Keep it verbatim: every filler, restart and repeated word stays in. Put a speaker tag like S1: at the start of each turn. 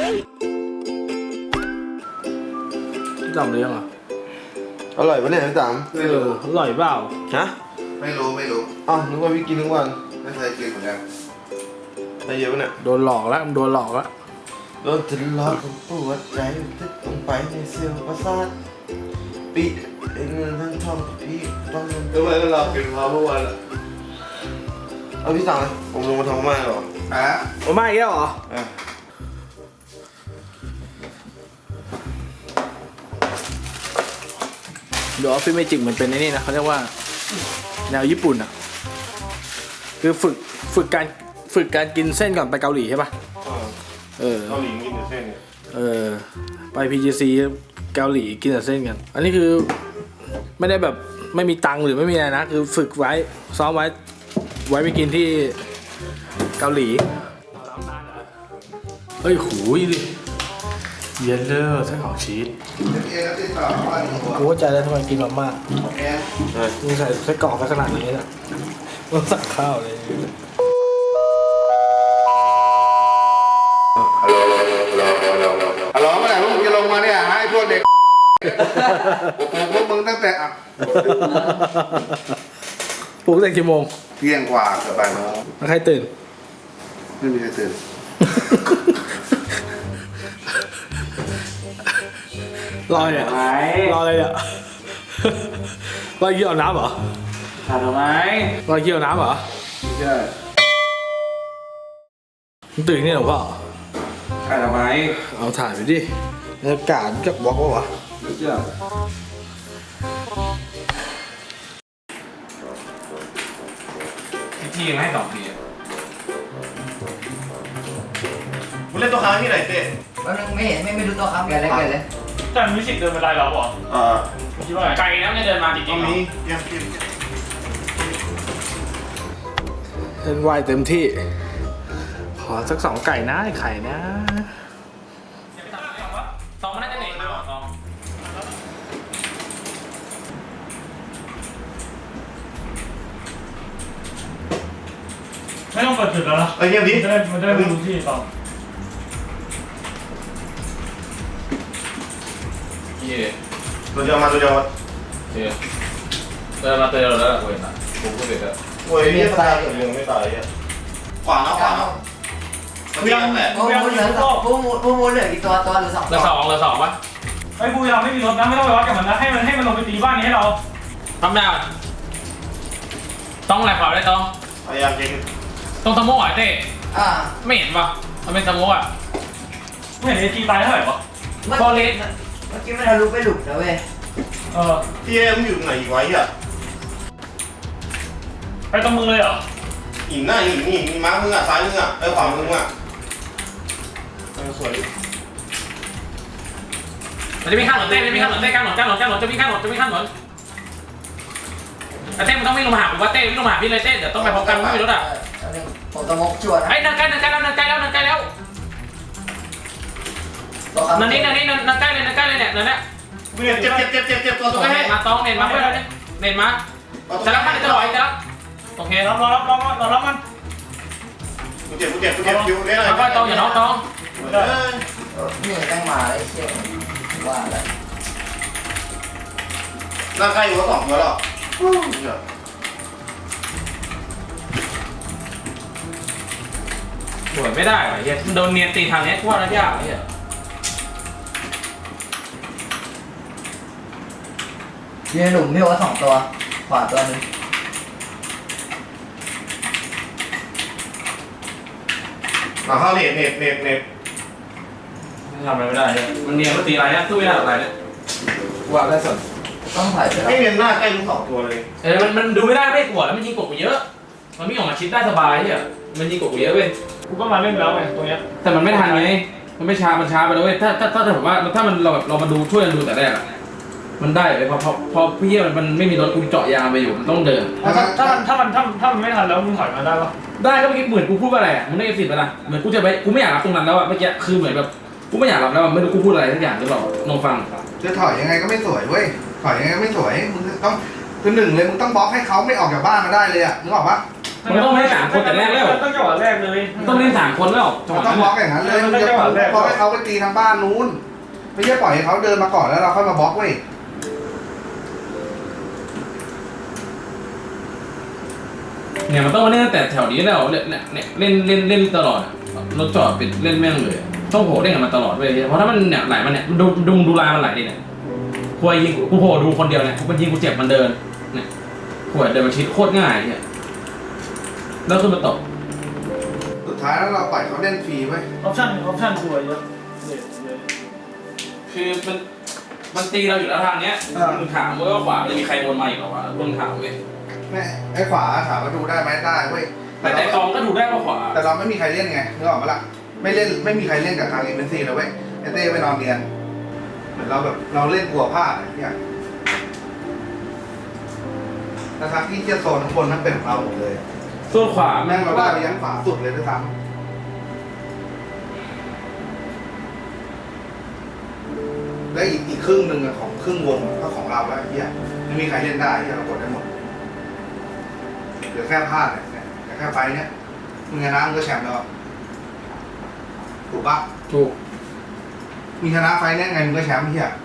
S1: พี่ต๋อมเลี้ยงเหรอ
S2: อร่อยปะเนี่ยพี่ต๋อม
S1: ไม่รู้อร่อยเปล่า
S2: ฮะ
S3: ไม่รู้ไม่รู้
S2: อ้าวนึกว่าพี่กินทุกวัน
S3: ไม่เคยกินเหมือนกัน
S2: ใส่เยอะปะเนี่ย
S1: โดนหลอกแล้วโดนหลอกแล้ว
S2: โดนทะเลาะกับปวดใจทึกลงไปในเซลล์ประสาทปีไอ้เงินทั้งทองพี่ต้องทำไมก็รอกินมาเมื่อวานอ่ะเอาพี่สั่งเลยผมลงมาทำมาหรอ
S3: อ่ะ
S1: โอ้ไม่แก้วเหรอเดี๋ยวออฟฟิศเมจิกมันเป็นไอ้นี่นะเขาเรียกว่าแนวญี่ปุ่นอ่ะคือฝึกฝึกการฝึกการกินเส้นก่อนไปเกาหลีใช่ป่ะเออ
S2: เกาหลีกินแต่เส้นเนี่ย
S1: เออไป พี จี ซี เกาหลีกินแต่เส้นกันอันนี้คือไม่ได้แบบไม่มีตังค์หรือไม่มีอะไรนะคือฝึกไว้ซ้อมไว้ไว้ไปกินที่เกาหลีเฮ้ยหูยดิเย็นเลยไส้ของชีสกูเข้าใจแล้วทำไมกินมาม่ามึงใส่ไส้กรอกขนาดนี้นะมึงสั่งข้าวเลย
S3: ฮัลโหลฮัลโหลฮัลโหลฮัลโหลเมื่อไหร่พวกมึงจะลงมาเนี่ยให้พวกเด็กพวกมึงตั้งแต่อ่ะ
S1: ปลุกตั้งแต่กี่โมง
S3: เที่ยงกว่าเกือบบ่ายโมง
S1: แล้วใครตื่น
S3: ไม่มีใครตื่น
S1: รอเนี่ยรออะไรเนี่ยรอเกี่ยวน้ำเหรอ
S4: ถ่ายทำไม
S1: รอเกี่ยวน้ำเหรอ
S3: ใช่
S1: มึงตื่นนี่หรอพ่อ
S4: ถ่ายทำไม
S1: เอาถ่ายไปดิบรรยากาศจะบล็อกวะ
S4: ไม่เชื่อพี่ยังให้สองที
S2: มึงเล่นตัวค้างที่ไหนเต้
S5: มันไม่เห็นไม่ไม่รู้ตัวครับแกเลยแกเลย
S4: แต่มิวสิกเดินเป็นไรเราบอก
S2: อ่า
S4: คิดว่าไกลแล้วเนี่ยเดินมาจริงๆ
S2: นี้ยังกิน
S1: เล่นวายเต็มที่ขอสักสองไก่นะไข่นะ
S4: ตองมันน่าจะเหนื่อยเลยตองไม่ต้องเปิดจุดแล้วนะ
S2: ไอ้เงี้ยดิ
S4: มันจะได้มันจะได้รู้ที่ตอง
S2: ตัวเดียวมาตัวเดียว
S4: เดี๋ยวเดินมาเตือนแล้วกูเห็นอ่ะกูก็เห็นแล้ว
S2: โอ้ยเนี่ยตายยังไม่ตายอ่ะ
S3: ขวางแล้วขวางแล้ว
S4: กูยังแหละ
S5: กูยังเหลือสองกูกูกูเหลือกี่ตัวตัวหรือสอง
S4: เหลือสองเหลือสองปะไอ้กูยังไม่มีรถนะไม่ต้องไปวัดกับมันนะให้มันให้มันลงไปตีบ้านนี้ให้เราทำได้ต้องอะไรขวาได้ต้อง
S2: พยายามยิง
S4: ต้องสโมกอ่ะเต้
S5: อ่า
S4: ไม่เห็นปะมันเป็นสโมกอ่ะไม่เห็นไอ้ทีตายเท่าไหร่ปะฟอเรส
S5: เมื่อกี้มันทะลุไปหลุดนะเว้ย
S4: เออ
S2: พี่เอ็มอยู่ไหนอีกไว้อ่ะ
S4: ไปตรงมึงเลยเหรอ
S2: หินหน้าหินหินม้ามึงอ่ะซ้ายมึงอ่ะไอ้ขวามึงอ่ะสวย
S4: มันจะมีข้างหลังเต้ไม่มีข้างหลังเต้ข้างหลังข้างหลังข้างหลังจะมีข้างหลังจะมีข้างหลังแต่เต้มันต้องวิ่งลงมาหาผมว่าเต้วิ่งลงมาหาพี่เลยเต้เดี๋ยวต้องไปพบกันไม่มีรถอ่ะ
S5: ผมต้องมกชวน
S4: ไอ้นันใกล้นันใกล้แล้วนันใกล้แล้วนันใกล้แล้วนันนี่นันนี่นันใกล้เลยนันใกล้เลยเนี่ยนันเนี่ย
S2: เจ็บเจ็บเจ็บเจ็บเจ็บตัวตัว
S4: เน็ตมาต้องเน็ตมาเพื่อนเน็ตมาจะรับมันจะลอยจะรับโอเครับรอรับรอรับรอรับมัน
S2: กูเจ็บกูเจ็บกูเจ็บอยู่เนี่ย
S4: แล้วก็ต้องอย่าน้องต้อง
S5: นี่ตั้งมาไอ้เชี่ยว่าอะไร
S2: ร่างกายอยู่ก็สองตัวแล้ว
S4: สวยไม่ได้เฮียโดนเนียนตีทางนี้ว่าระยะเฮีย
S5: ยืนหลุมพี่ว่าสองตัวขวาตัวนึง
S2: มาเข้าเน็ตเน็ตเน็ตเน็ต
S4: ทำอะไรไม่ได้เนี่ยมันเนียนมันตีอะไรเนี่ยสู้ไม่ได้อะไรเนี่ยว่าได้ส่วน
S5: ต้องถ่ายไป
S2: ไม่เนียนหน้าใกล้ทั้งสองตัวเลย
S4: เออมันมันดูไม่ได้ไม่กลัวแล้วมันยิงกบกูเยอะมันไม่ออกมาชิดได้สบายเนี่ยมันยิงกบกูเยอะเว้ยกูก็มาเล่นแล้วไงตรงเนี้ยแต่มันไม่ทันไงมันไม่ช้ามันช้าไปแล้วเว้ยถ้าถ้าถ้าผมว่าถ้ามันเราแบบเรามาดูช่วยกันดูแต่แรกมันได้เลยพอพอพอพี่มันมันไม่มีรถกูเจาะยางไปอยู่มันต้องเดินถ้าถ้ามันถ้ามันถ้าถ้ามันไม่ทันแล้วมึงถอยมาได้ปะได้ก็เมื่อกี้เหมือนกูพูดว่าอะไรอ่ะมึงได้สิทธิ์ไปนะเหมือนกูจะไปกูไม่อยากรับตรงนั้นแล้วอ่ะเมื่อกี้คือเหมือนแบบกูไม่อยากรับแล้วไม่รู้กูพูดอะไรทุกอย่างหรือเปล่าลองฟัง
S3: จะถอยยังไงก็ไม่สวยเว้ยถอยยังไงก็ไม่สวยมึงต้องคือหนึ่งเลยมึงต้องบล็อกให้เขาไม่ออกจากบ้านมาได้เลยอ่ะนึกออกปะ
S4: มันต้องไม่ได้สามคนแต่แรกแล้ว
S6: ต้องจังหวะแรกเลย
S4: มันต้องเล่นสามคนแล้วจังห
S3: มั
S4: วะ
S3: นต้อ
S4: นั้
S3: ง
S4: น
S3: บล็อก
S4: น่ะ
S3: อย่างนั้นเลยมึงจะบล็อกให้เขาไปตีทางบ้านนู้นไม่ใช่ปล่อยให้เขาเดินมาก่อนแล้วเราค่อยมาบล็อกเว้ย
S4: เนี่ยมันต้องมาเล่นตั้งแต่แถวนี้แล้วเล่นเนี่ยเล่นเล่นเล่นตลอดรถจอดปิดเล่นแม่งเลยต้องโผล่เล่นกับมันตลอดเลยเพราะถ้ามันเนี่ยไหลมันเนี่ยดูดูดูลายมันไหลดิเนี่ยกูยิงกูโผล่ดูคนเดียวเนี่ยกูเป็นยิงกูเจ็บมันเดินเนี่ยกูเดินมาชิดโคตรง่ายเนี่ยแล้วขึ้นมาตก
S3: สุดท้ายแล้วเราปล่อยเขาเล่นฟรีเว้ย
S6: ออปชั่นออปชั่นสวยเยอะเด็ดเลย
S4: คือมันมันตีเราอยู่แล้วทางเนี้ยมึงถามว่าขวาจะมีใครวนมาอีกหรอวะมึงถามเว้ย
S3: แม่ไอ้ขวาถามว่าดูได้ไหมได้เว้ย
S4: แต่แต่กองก็ดูได้ว่าขวา
S3: แต่เราไม่มีใครเล่นไงนึกออกปะล่ะไม่เล่นไม่มีใครเล่นกับทางเอ็มเอ็นซีเลยเว้ยไอ้เต้ไปนอนเรียนเหมือนเราแบบเราเล่นกลัวพลาดอะไรอย่างเงี้ยแต่ทางที่เชี่ยโซนข้างบนนั้นเป็นของเราหมดเลย
S4: ส่วนขวา
S3: แม่งเราได้ไปยันขวาสุดเลยด้วยซ้ำและอีกอีกครึ่งหนึ่งอะของครึ่งวงก็ของเราแล้วไอ้เหี้ยไม่มีใครเล่นได้ที่เรากดได้หมดเหลือแค่พลาดเนี่ยแต่แค่ไฟเนี้ยมึงชนะมึงก็แชมป์แล้วถูกปะ
S4: ถูก
S3: มึงชนะไฟเนี้ยไงมึงก็แชมป์เหี้ย